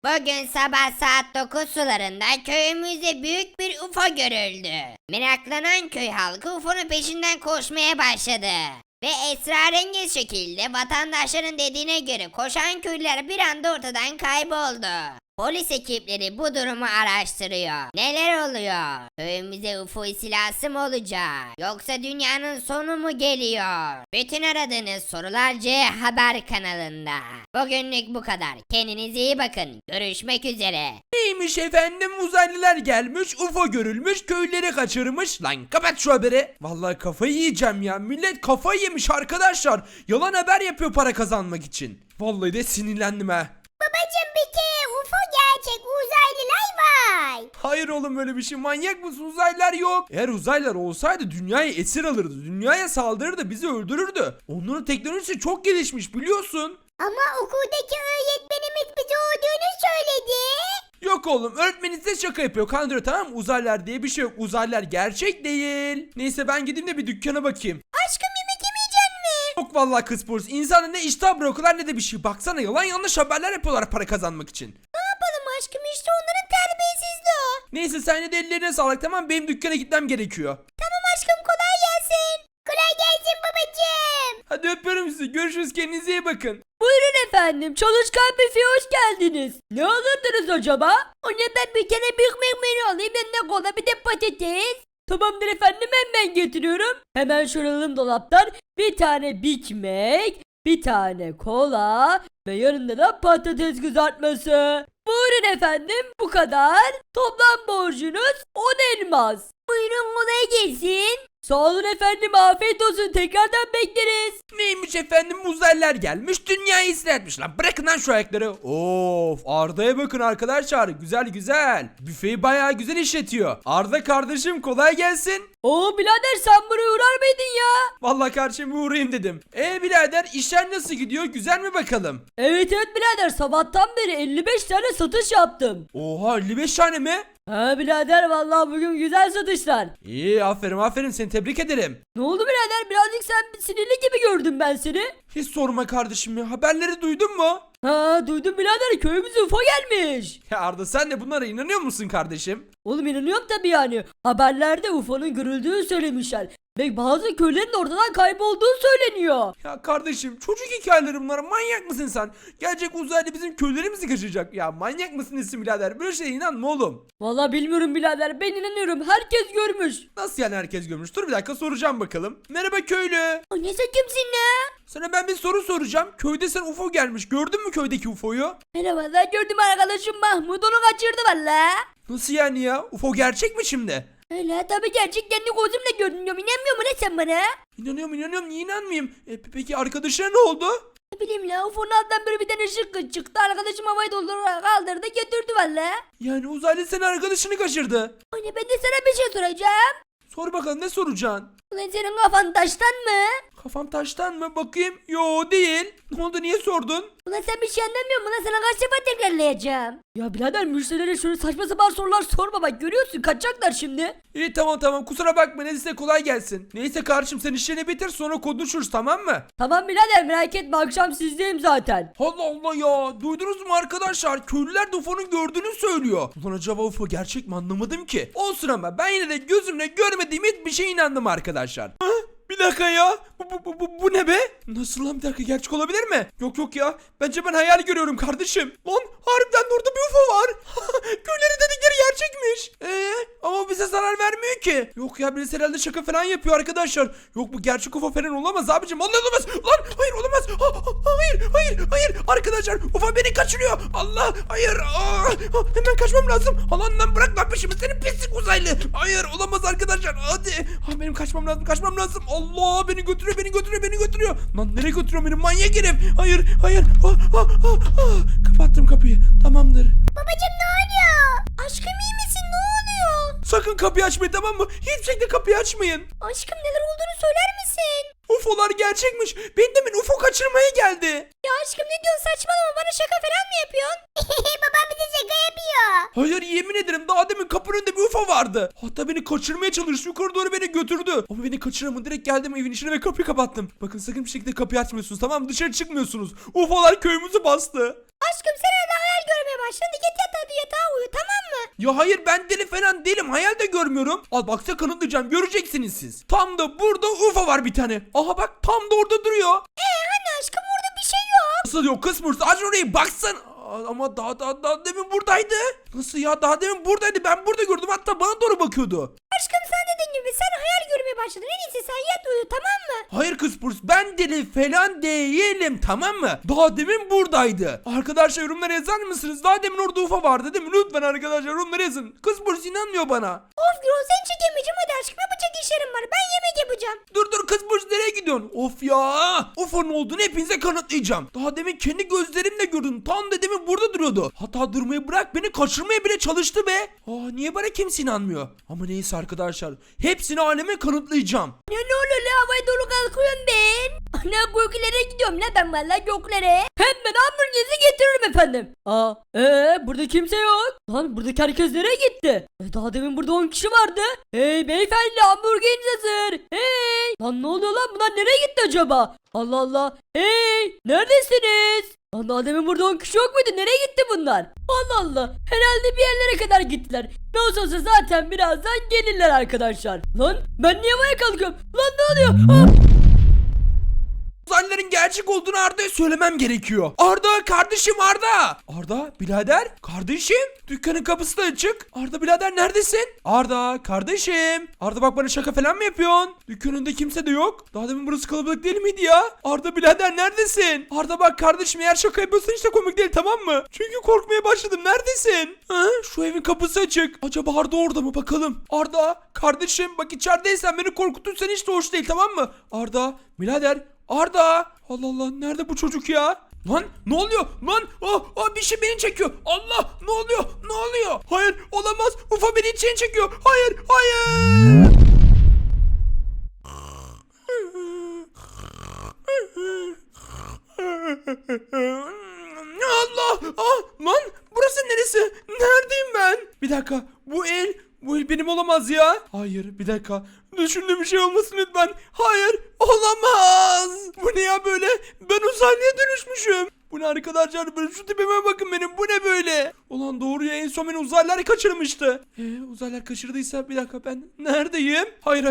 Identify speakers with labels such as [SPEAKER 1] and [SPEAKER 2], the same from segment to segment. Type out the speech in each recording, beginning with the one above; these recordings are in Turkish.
[SPEAKER 1] Bugün sabah saat 9 sularında köyümüzde büyük bir UFO görüldü. Meraklanan köy halkı UFO'nun peşinden koşmaya başladı. Ve esrarengiz şekilde vatandaşların dediğine göre koşan köylüler bir anda ortadan kayboldu. Polis ekipleri bu durumu araştırıyor. Neler oluyor? Köyümüze UFO istilası mı olacak? Yoksa dünyanın sonu mu geliyor? Bütün aradığınız sorular C Haber kanalında. Bugünlük bu kadar. Kendinize iyi bakın. Görüşmek üzere.
[SPEAKER 2] Neymiş efendim, uzaylılar gelmiş, UFO görülmüş, köyleri kaçırmış. Lan kapat şu haberi. Vallahi kafayı yiyeceğim ya. Millet kafayı yemiş arkadaşlar. Yalan haber yapıyor para kazanmak için. Vallahi de sinirlendim ha.
[SPEAKER 3] Babacım bir kere UFO gerçek, uzaylılar var.
[SPEAKER 2] Hayır oğlum, öyle bir şey, manyak mısın? Uzaylılar yok. Eğer uzaylılar olsaydı dünyayı esir alırdı. Dünyaya saldırırdı, bizi öldürürdü. Onların teknolojisi çok gelişmiş biliyorsun.
[SPEAKER 3] Ama okuldaki öğretmenimiz bize olduğunu söyledi.
[SPEAKER 2] Yok oğlum, öğretmeniniz de şaka yapıyor, kandırıyor, tamam mı? Uzaylılar diye bir şey yok. Uzaylılar gerçek değil. Neyse ben gideyim de bir dükkana bakayım.
[SPEAKER 3] Aşkım yemek yemeyecek mi?
[SPEAKER 2] Yok vallahi kız polis. İnsana ne iştah bırakıyorlar ne de bir şey. Baksana, yalan yanlış haberler yapıyorlar para kazanmak için.
[SPEAKER 3] Ne yapalım aşkım, işte onların terbiyesizliği o.
[SPEAKER 2] Neyse sen yine de ellerine sağlık, tamam, benim dükkana gitmem gerekiyor.
[SPEAKER 3] Tamam aşkım, kolay gelsin. Kolay gelsin babacım.
[SPEAKER 2] Hadi öpüyorum sizi, görüşürüz, kendinize iyi bakın.
[SPEAKER 4] Buyurun efendim, çalışkan büfe hoş geldiniz. Ne alırdınız acaba?
[SPEAKER 3] Ona ben bir tane Big Mac menü alayım, yanına kola bir de patates.
[SPEAKER 4] Tamamdır efendim, hemen getiriyorum. Hemen şöyle alalım dolaptan. Bir tane Big Mac, bir tane kola ve yanında da patates kızartması. Buyurun efendim, bu kadar. Toplam borcunuz 10 elmas.
[SPEAKER 3] Buyurun kolay gelsin.
[SPEAKER 4] Sağ olun efendim, afiyet olsun, tekrardan bekleriz.
[SPEAKER 2] Neymiş efendim, uzaylılar gelmiş, dünyayı istila etmiş. Lan bırakın lan şu ayakları. Of, Arda'ya bakın arkadaşlar, güzel güzel. Büfeyi bayağı güzel işletiyor. Arda kardeşim, kolay gelsin.
[SPEAKER 4] Oo birader, sen buraya uğrar mıydın ya?
[SPEAKER 2] Vallahi kardeşim bir uğrayayım dedim. Birader, işler nasıl gidiyor, güzel mi bakalım?
[SPEAKER 4] Evet birader, sabahtan beri 55 tane satış yaptım.
[SPEAKER 2] Oha, 55 tane mi?
[SPEAKER 4] Ha birader, vallahi bugün güzel satışlar.
[SPEAKER 2] İyi, aferin, seni tebrik ederim.
[SPEAKER 4] Ne oldu birader, birazcık sen sinirli gibi gördüm ben seni.
[SPEAKER 2] Hiç sorma kardeşim ya, haberleri duydun mu?
[SPEAKER 4] Ha duydum birader, köyümüze UFO gelmiş.
[SPEAKER 2] Ya Arda, sen de bunlara inanıyor musun kardeşim?
[SPEAKER 4] Oğlum inanıyorum tabii yani. Haberlerde UFO'nun görüldüğü söylemişler. Ve bazı köylerin ortadan kaybolduğu söyleniyor.
[SPEAKER 2] Ya kardeşim, çocuk hikayeleri bunlar, manyak mısın sen? Gelecek uzaylı bizim köylerimizi kaçıracak. Ya manyak mısın isim birader, böyle şeye inanma oğlum.
[SPEAKER 4] Vallahi bilmiyorum birader, ben inanıyorum, herkes görmüş.
[SPEAKER 2] Nasıl yani herkes görmüş? Dur bir dakika, soracağım bakalım. Merhaba köylü.
[SPEAKER 3] O ne, sen kimsin ne?
[SPEAKER 2] Sana ben bir soru soracağım. Köyde sen UFO gelmiş, gördün mü köydeki UFO'yu?
[SPEAKER 4] Merhaba, ben gördüm arkadaşım Mahmut, onu kaçırdı valla.
[SPEAKER 2] Nasıl yani ya? UFO gerçek mi şimdi?
[SPEAKER 4] Öyle tabii, gerçek, kendi gözümle gördüm. İnanmıyor mu ne sen bana?
[SPEAKER 2] İnanıyorum, niye inanmayayım? Peki arkadaşına ne oldu?
[SPEAKER 4] Ne bileyim la, UFO'nun altından böyle bir tane ışık çıktı. Arkadaşım havayı doldurarak kaldırdı, götürdü valla.
[SPEAKER 2] Yani uzaylı senin arkadaşını kaçırdı.
[SPEAKER 4] Anne, ben de sana bir şey soracağım.
[SPEAKER 2] Sor bakalım, ne soracaksın?
[SPEAKER 4] Ulan senin kafan taştan mı?
[SPEAKER 2] Kafam taştan mı? Bakayım. Yo, değil. Ne oldu, niye sordun?
[SPEAKER 4] Ulan sen bir şey anlamıyor musun? Ulan sana kaç defa tekrarlayacağım. Ya birader, müşterilere şöyle saçma sapan sorular sorma, bak görüyorsun kaçacaklar şimdi.
[SPEAKER 2] İyi, tamam, kusura bakma, neyse kolay gelsin. Neyse kardeşim, sen işlerini bitir, sonra konuşuruz, tamam mı?
[SPEAKER 4] Tamam birader, merak etme, akşam sizdeyim zaten.
[SPEAKER 2] Allah Allah ya, duydunuz mu arkadaşlar? Köylüler de UFO'nun gördüğünü söylüyor. Ulan acaba UFO gerçek mi, anlamadım ki. Olsun ama ben yine de gözümle görmediğim hiçbir şeye inandım arkadaşlar. Bir dakika ya. Bu ne be? Nasıl lan, bir dakika, gerçek olabilir mi? Yok ya. Bence ben hayal görüyorum kardeşim. Lan harbiden orada bir UFO var. Köyleri dedikleri gerçekmiş. Ama bize zarar vermiyor ki. Yok ya, birisi herhalde şaka falan yapıyor arkadaşlar. Yok, bu gerçek UFO falan olamaz abicim. Vallahi olamaz. Lan hayır, olamaz. Hayır. Arkadaşlar, UFO beni kaçırıyor. Allah, hayır. Hemen kaçmam lazım. Allah'ından bırak lan peşimi, senin pislik uzaylı. Hayır, olamaz arkadaşlar. Hadi. Benim kaçmam lazım. Allah, beni götürüyor. Lan nereye götürüyor beni, manyak herif. Hayır. Kapattım kapıyı. Tamamdır.
[SPEAKER 3] Babacım ne oluyor? Aşkım iyi misin, ne oluyor?
[SPEAKER 2] Sakın kapıyı açmayın, tamam mı? Hiçbir şekilde kapıyı açmayın.
[SPEAKER 3] Aşkım neler olduğunu söyler misin?
[SPEAKER 2] UFO'lar gerçekmiş. Ben demin UFO kaçırmaya geldi.
[SPEAKER 3] Ya aşkım ne diyorsun, saçmalama, bana şaka falan mı yapıyorsun? Babam bize şaka yapıyor.
[SPEAKER 2] Hayır, yemin ederim daha demin kapının önünde bir UFO vardı. Hatta beni kaçırmaya çalıştı, yukarı doğru beni götürdü. Ama beni kaçıramadı, direkt geldim evin içine ve kapıyı kapattım. Bakın, sakın bir şekilde kapıyı açmıyorsunuz, tamam mı? Dışarı çıkmıyorsunuz. UFO'lar köyümüzü bastı.
[SPEAKER 3] Aşkım sen hala hayal görmeye başladın. Git yatağa uyu tamam mı?
[SPEAKER 2] Ya hayır ben deli falan değilim. Hayal de görmüyorum. Al bak size kanıtlayacağım. Göreceksiniz siz. Tam da burada UFO var bir tane. Aha bak tam da orada duruyor.
[SPEAKER 3] Hani aşkım orada bir şey yok.
[SPEAKER 2] Nasıl yok kız mırsı? Aç orayı baksan. Ama daha demin buradaydı. Nasıl ya? Daha demin buradaydı. Ben burada gördüm. Hatta bana doğru bakıyordu.
[SPEAKER 3] Aşkım sen dediğin gibi sen hayal görmeye başladın. En iyisi sen yat uyu tamam mı?
[SPEAKER 2] Hayır kız purs ben deli falan değilim tamam mı? Daha demin buradaydı. Arkadaşlar yorumlara yazar mısınız? Daha demin orada UFO vardı değil mi? Lütfen arkadaşlar yorumlara yazın. Kız purs inanmıyor bana.
[SPEAKER 3] Of Gürol seni çekemeyeceğim hadi aşkım yapacak işlerim var. Ben yemek yapacağım.
[SPEAKER 2] Dur kız purs nereye gidiyorsun? Of ya. UFO'nun olduğunu hepinize kanıtlayacağım. Daha demin kendi gözlerimle gördüm. Tam da demin burada duruyordu. Hatta durmayı bırak beni kaçırmaya bile çalıştı be. Niye bana kimse inanmıyor? Ama neyse arkadaşlar. Hepsini aleme kanıtlayacağım.
[SPEAKER 3] Ya ne oluyor la havaya doğru kalkıyorum ben. Ana göklere gidiyorum la ben valla göklere.
[SPEAKER 4] Hemen hamburgerinizi getiririm efendim. Burada kimse yok. Lan buradaki herkes nereye gitti? Daha demin burada 10 kişi vardı. Hey beyefendi hamburgeriniz hazır. Hey. Lan ne oluyor lan bunlar nereye gitti acaba? Allah Allah. Hey neredesiniz? Lan daha demin burada 10 kişi yok muydu? Nereye gitti bunlar? Allah Allah. Herhalde bir yerlere kadar gittiler. Ne olsa zaten birazdan gelirler arkadaşlar. Lan ben niye havaya kalkıyorum? Lan ne oluyor?
[SPEAKER 2] Uzaylıların gerçek olduğunu Arda'ya söylemem gerekiyor. Arda kardeşim Arda. Arda birader kardeşim. Dükkanın kapısı da açık. Arda birader neredesin? Arda kardeşim. Arda bak bana şaka falan mı yapıyorsun? Dükkanında kimse de yok. Daha demin burası kalabalık değil miydi ya? Arda birader neredesin? Arda bak kardeşim eğer şaka yapıyorsan hiç de komik değil tamam mı? Çünkü korkmaya başladım. Neredesin? Şu evin kapısı açık. Acaba Arda orada mı bakalım? Arda kardeşim bak içerideysen beni korkutursan hiç de hoş değil tamam mı? Arda birader Arda! Allah Allah nerede bu çocuk ya? Lan ne oluyor? Lan bir şey beni çekiyor. Allah ne oluyor? Ne oluyor? Hayır olamaz. UFO beni içine çekiyor. Hayır hayır. Allah! Lan burası neresi? Neredeyim ben? Bir dakika. Bu el benim olamaz ya. Hayır bir dakika. Düşündüğüm bir şey olmasın lütfen. Hayır olamaz. Bu ne ya böyle? Ben uzaylıya dönüşmüşüm. Bu ne arkadaşlar? Böyle şu tipime bakın benim. Bu ne böyle? Ulan doğru ya en son beni uzaylılar kaçırmıştı. Uzaylılar kaçırdıysa bir dakika ben neredeyim? Hayır.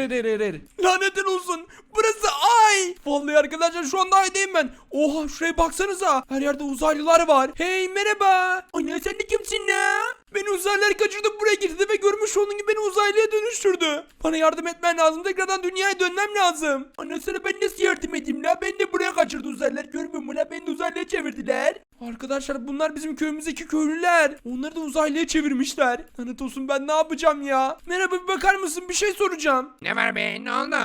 [SPEAKER 2] Lanetin olsun. Burası ay. Vallahi arkadaşlar şu anda aydayım ben. Oha şuraya baksanıza. Her yerde uzaylılar var. Hey merhaba. Anne sen de kimsin ya? Beni uzaylılar kaçırdı buraya getirdi ve görmüş olduğun gibi beni uzaylıya dönüştürdü. Bana yardım etmen lazım. Tekrardan dünyaya dönmem lazım. Anne sana ben nasıl yardım edeyim la? Beni de buraya kaçırdı uzaylılar. Görmüyor musun la? Beni de uzaylıya çevirdiler. Arkadaşlar bunlar bizim köyümüzdeki köylüler. Onları da uzaylıya çevirmişler. Lanet olsun ben ne yapacağım ya? Merhaba bir bakar mısın? Bir şey soracağım.
[SPEAKER 5] Ne var be? Ne oldu?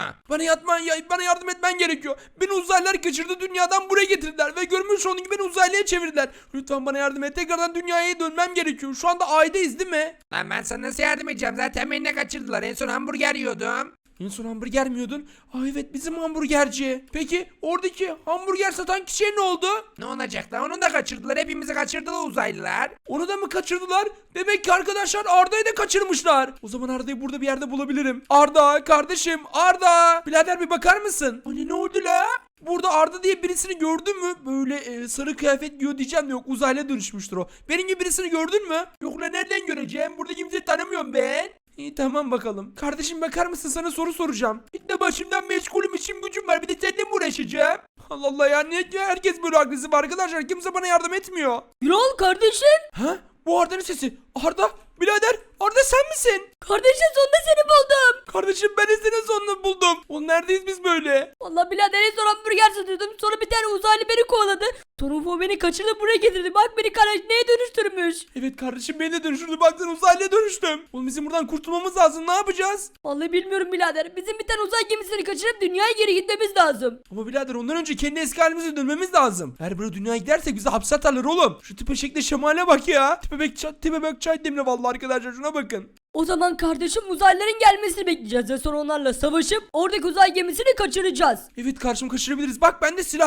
[SPEAKER 2] Bana yardım etmen gerekiyor. Beni uzaylılar kaçırdı dünyadan buraya getirdiler ve görmüş olduğun gibi beni uzaylıya çevirdiler. Lütfen bana yardım et. Tekrardan dünyaya dönmem gerekiyor. Şu anda aydayız değil mi?
[SPEAKER 5] Lan ben sana nasıl yardım edeceğim? Zaten beni de kaçırdılar. En son hamburger yiyordum.
[SPEAKER 2] En son hamburger mi yiyordun? Evet bizim hamburgerci. Peki oradaki hamburger satan kişiye ne oldu?
[SPEAKER 5] Ne olacak lan? Onu da kaçırdılar. Hepimizi kaçırdılar uzaylılar.
[SPEAKER 2] Onu da mı kaçırdılar? Demek ki arkadaşlar Arda'yı da kaçırmışlar. O zaman Arda'yı burada bir yerde bulabilirim. Arda kardeşim Arda. Birader bir bakar mısın? Hani ne oldu la? Burada Arda diye birisini gördün mü? Böyle sarı kıyafet giyiyor diyeceğim de yok uzaylıya dönüşmüştür o. Benim gibi birisini gördün mü? Yok lan nereden göreceğim? Burada kimseyi tanımıyorum ben. İyi tamam bakalım. Kardeşim bakar mısın sana soru soracağım. İlk de başımdan meşgulüm işim gücüm var bir de seninle mi uğraşacağım? Allah Allah ya niye herkes böyle agresif arkadaşlar kimse bana yardım etmiyor.
[SPEAKER 4] Gürol kardeşim.
[SPEAKER 2] Ha? Bu Arda'nın sesi. Arda birader Arda sen misin?
[SPEAKER 4] Kardeşim sonunda seni buldum.
[SPEAKER 2] Kardeşim ben de senin sonunu buldum. Oğlum neredeyiz biz böyle?
[SPEAKER 4] Vallahi birader en son hamburger satıyordum. Sonra bir tane uzaylı beni kovaladı. Sonra UFO beni kaçırdı buraya getirdi. Bak beni neye dönüştürmüş.
[SPEAKER 2] Evet kardeşim beni de dönüştürdü. Baksana uzaylıya dönüştüm. Oğlum bizim buradan kurtulmamız lazım. Ne yapacağız?
[SPEAKER 4] Vallahi bilmiyorum birader. Bizim bir tane uzay gemisini kaçırıp dünyaya geri gitmemiz lazım.
[SPEAKER 2] Ama birader ondan önce kendi eski halimize dönmemiz lazım. Eğer böyle dünyaya gidersek bizi hapse atarlar oğlum. Şu tipe şekle şemale bak ya. Tipe bak çay demle vallahi arkadaşlar şuna bakın.
[SPEAKER 4] O zaman kardeşim uzaylıların gelmesini bekleyeceğiz ve sonra onlarla savaşıp oradaki uzay gemisini kaçıracağız.
[SPEAKER 2] Evet karşım kaçırabiliriz. Bak bende silah var.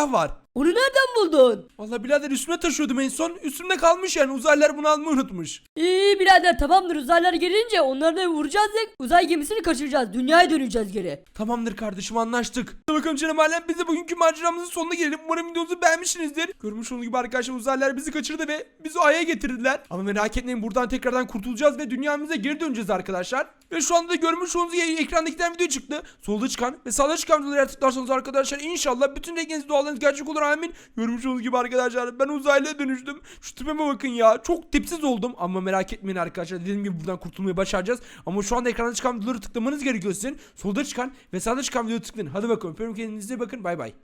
[SPEAKER 4] Onu nereden buldun?
[SPEAKER 2] Vallahi birader üstüme taşıyordum en son. Üstümde kalmış yani, uzaylılar bunu almayı unutmuş.
[SPEAKER 4] İyi birader, tamamdır, uzaylılar gelince onları da vuracağız ve uzay gemisini kaçıracağız. Dünyaya döneceğiz geri.
[SPEAKER 2] Tamamdır kardeşim, anlaştık. Hadi bakalım canım alem, biz de bugünkü maceramızın sonuna gelelim. Umarım videomuzu beğenmişsinizdir. Görmüş olduğunuz gibi arkadaşlar, uzaylılar bizi kaçırdı ve bizi Ay'a getirdiler. Ama merak etmeyin, buradan tekrardan kurtulacağız ve dünyamıza geri döneceğiz arkadaşlar. Ve şu anda da görmüş olduğunuz gibi ekrandakinden video çıktı. Solda çıkan ve sağda çıkan videoları tıklarsanız arkadaşlar inşallah bütün dilekleriniz, dualarınız gerçek olur, amin. Görmüş olduğunuz gibi arkadaşlar, ben uzaylıya dönüştüm. Şu tipime bakın ya, çok tipsiz oldum. Ama merak etmeyin arkadaşlar, dediğim gibi buradan kurtulmayı başaracağız. Ama şu anda ekranda çıkan videoları tıklamanız gerekiyor sizin. Solda çıkan ve sağda çıkan videoyu tıklayın. Hadi bakalım, öpüyorum, kendinize iyi bakın, bay bay.